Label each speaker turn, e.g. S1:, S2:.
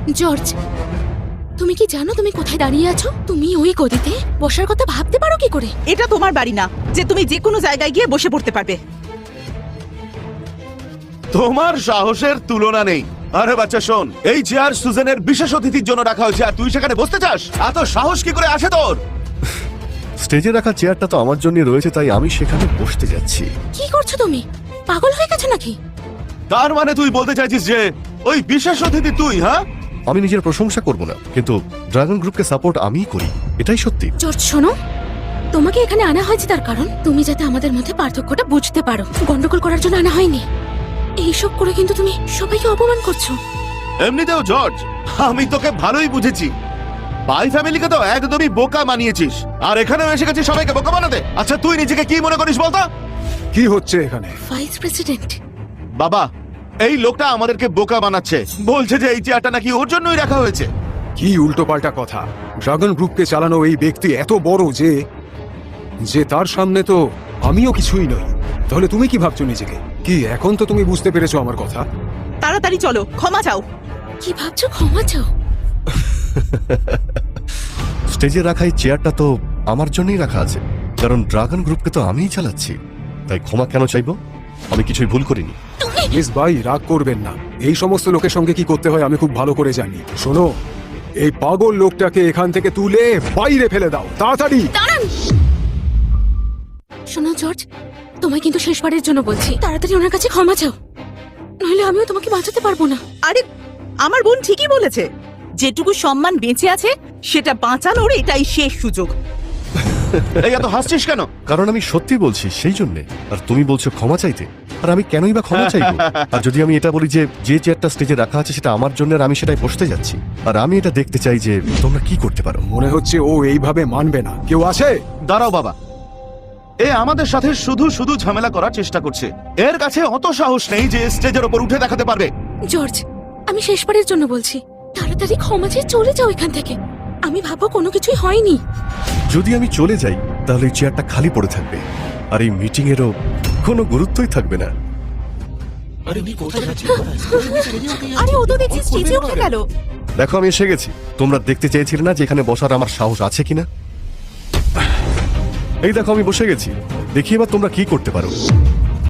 S1: George, তুমি কি জানো তুমি কোথায় দাঁড়িয়ে আছো? তুমি ওই গদিতে বসার কথা ভাবতে পারো কি করে?
S2: এটা তোমার বাড়ি না যে তুমি যে কোনো জায়গায় গিয়ে বসে পড়তে পারবে।
S3: তোমার সাহসের তুলনা নেই। আরে বাচ্চা শোন, এই চেয়ার সুজেনের বিশেষ অতিথির জন্য রাখা হয়েছে আর তুই সেখানে বসতে চাস? এত সাহস কি করে আসে তোর?
S4: স্টেজে রাখা চেয়ারটা তো আমার জন্য রয়েছে, তাই আমি সেখানে বসতে যাচ্ছি।
S1: কি করছো তুমি? পাগল হয়ে গেছো নাকি?
S3: তার মানে তুই বলতে চাইছিস যে ওই বিশেষ অতিথি তুই? হ্যাঁ,
S4: আমি নিজের প্রশংসা করব না, কিন্তু ড্রাগন গ্রুপকে সাপোর্ট আমিই করি, এটাই সত্যি।
S1: জর্জ শোনো, তোমাকে এখানে আনা হয়েছে তার কারণ তুমি যাতে আমাদের মধ্যে পার্থক্যটা বুঝতে পারো। গন্ডগোল করার জন্য আনা হয়নি। এইসব করে কিন্তু তুমি সবাইকে অপমান করছো।
S3: এমনিতেও জর্জ, আমি তোকে ভালোই বুঝেছি। বাই ফ্যামিলিকে তো একদমই বোকা বানিয়েছিস, আর এখানেও এসে গেছিস সবাইকে বোকা বানাতে। আচ্ছা, তুই নিজেকে কি মনে করিস বলতো?
S5: কি হচ্ছে এখানে?
S1: Vice president.
S3: বাবা, এই লোকটা আমাদেরকে বোকা বানাচ্ছে। বলছে যে এই চেয়ারটা নাকি ওর জন্যই রাখা হয়েছে।
S5: কি উল্টোপাল্টা কথা! ড্রাগন গ্রুপকে চালানো এই ব্যক্তি এত বড় যে তার সামনে তো আমিও কিছুই নই। তাহলে তুমি কি ভাবছো নিজেকে? কি এখন তো তুমি বুঝতে পেরেছো আমার কথা?
S2: তাড়াতাড়ি চলো, ক্ষমা চাও।
S1: কি ভাবছো? ক্ষমা চাও?
S4: স্টেজে রাখা এই চেয়ারটা তো আমার জন্যই রাখা আছে, কারণ ড্রাগন গ্রুপকে তো আমিই চালাচ্ছি। তাই ক্ষমা কেন চাইবো? আমি কিছুই ভুল করিনি।
S5: মিস ভাই, রাগ করবেন না। এই সমস্ত লোকের সঙ্গে কি করতে হয় আমি খুব ভালো করে জানি। শোনো, এই পাগল লোকটাকে এখান থেকে তুলে বাইরে ফেলে দাও, তাড়াতাড়ি।
S1: দাঁড়ান! শোনো জর্জ, তোমায় কিন্তু শেষবারের জন্য বলছি, তাড়াতাড়ি ওনার কাছে ক্ষমা চাও, নইলে আমিও তোমাকে বাঁচাতে পারবো না।
S2: আরে আমার বোন ঠিকই বলেছে, যেটুকু সম্মান বেঁচে আছে সেটা বাঁচানোর এটাই শেষ সুযোগ।
S3: এই এত হাসছিস কেন?
S4: কারণ আমি সত্যি বলছি, সেই জন্যে। আর তুমি বলছো ক্ষমা চাইতে, আর আমি কেনই বা ক্ষমা চাইবো? আর যদি আমি এটা বলি যে চেয়ারটা স্টেজে রাখা আছে সেটা আমার জন্য, আর আমি সেটাই বসতে যাচ্ছি, আর আমি এটা দেখতে চাই যে তোমরা কি করতে পারো।
S5: মনে হচ্ছে ও এইভাবে মানবে না। কেউ আছে?
S3: দাঁড়াও বাবা, এ আমাদের সাথে শুধু শুধু ঝামেলা করার চেষ্টা করছে। এর কাছে অত সাহস নেই যে স্টেজের উপর উঠে দেখাতে পারবে।
S1: জর্জ, আমি শেষবারের জন্য বলছি, তাড়াতাড়ি ক্ষমা চেয়ে চলে যাও এখান থেকে। আমি ভাবো কোনো কিছুই হয়নি।
S4: যদি আমি চলে যাই তাহলে এই চেয়ারটা খালি পড়ে থাকবে, আর এই মিটিং এরও কোনো গুরুত্বই থাকবে না।
S2: আরে ও তো দেখছি স্টেজে উঠে গেল।
S4: দেখো, আমি এসে গেছি। তোমরা দেখতে চেয়েছিলে না যে এখানে বসার আমার সাহস আছে কিনা? এই দেখো, আমি বসে গেছি। দেখি এবার তোমরা কি করতে পারো।